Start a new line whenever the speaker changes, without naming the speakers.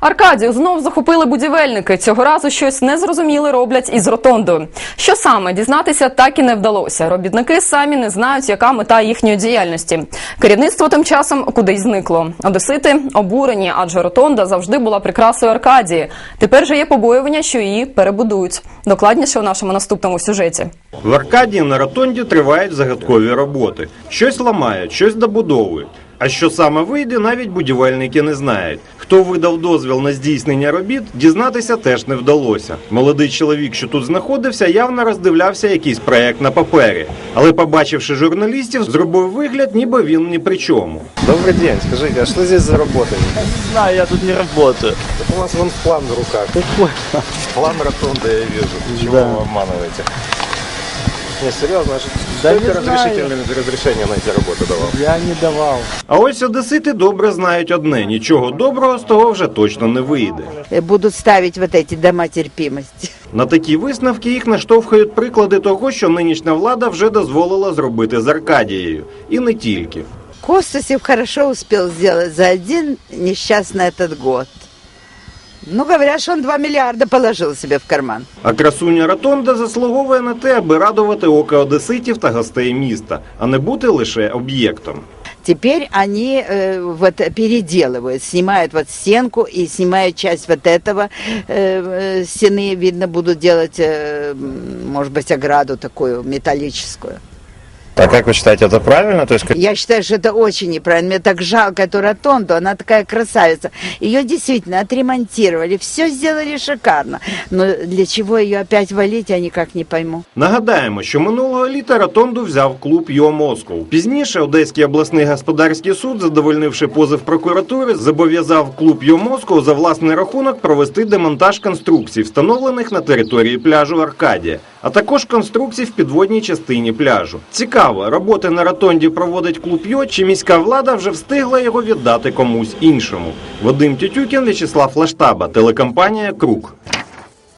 Аркадію знов захопили будівельники. Цього разу щось незрозуміле роблять із ротондою. Що саме, дізнатися так і не вдалося. Робітники самі не знають, яка мета їхньої діяльності. Керівництво тим часом кудись зникло. Одесити обурені, адже ротонда завжди була прикрасою Аркадії. Тепер же є побоювання, що її перебудують. Докладніше у нашому наступному сюжеті.
В Аркадії на ротонді тривають загадкові роботи. Щось ламають, щось добудовують. А що саме вийде, навіть будівельники не знають. Хто видав дозвіл на здійснення робіт, дізнатися теж не вдалося. Молодий чоловік, що тут знаходився, явно роздивлявся якийсь проект на папері. Але, побачивши журналістів, зробив вигляд, ніби він ні при чому.
Добрый день, скажите, а что здесь за работа?
Не знаю, я тут не работаю.
У вас вон план в руках. План ротонды я вижу. Чего вы обманываете? Не, серьезно,
Да
сколько
не знаю.
разрешения на эти работы давал?
Я не давал.
А ось одесити добре знають одне – нічого доброго з того вже точно не вийде.
Будут ставить вот эти дома терпимости.
На такі висновки їх наштовхують приклади того, що нинішня влада вже дозволила зробити з Аркадією. І не тільки.
Костасев хорошо успел сделать за один несчастный этот год. Ну, говорят, что он 2 миллиарда положил себе в карман.
А красуня ротонда заслуговує на те, аби радувати око одеситів та гостей міста, а не бути лише об'єктом.
Теперь они вот переделывают, снимают вот стенку и снимают часть вот этого стены, видно, будут делать, может быть, ограду такую металлическую.
А как вы считаете, это правильно? То есть,
Я считаю, что это очень неправильно. Мне так жалко эту ротонду, она такая красавица. Ее действительно отремонтировали, все сделали шикарно. Но для чего ее опять валить, я никак не пойму.
Нагадаємо, що минулого літа ротонду взяв клуб «Йо Москов». Пізніше Одеський обласний господарський суд, задовольнивши позов прокуратури, зобов'язав клуб «Йо Москов» за власний рахунок провести демонтаж конструкцій, встановлених на території пляжу Аркадія, а також конструкцій в підводній частині пляжу. Цікаво, роботи на ротонді проводить клуб «Йо», чи міська влада вже встигла його віддати комусь іншому? Вадим Тютюкін, В'ячеслав Лаштаба, телекомпанія «Круг».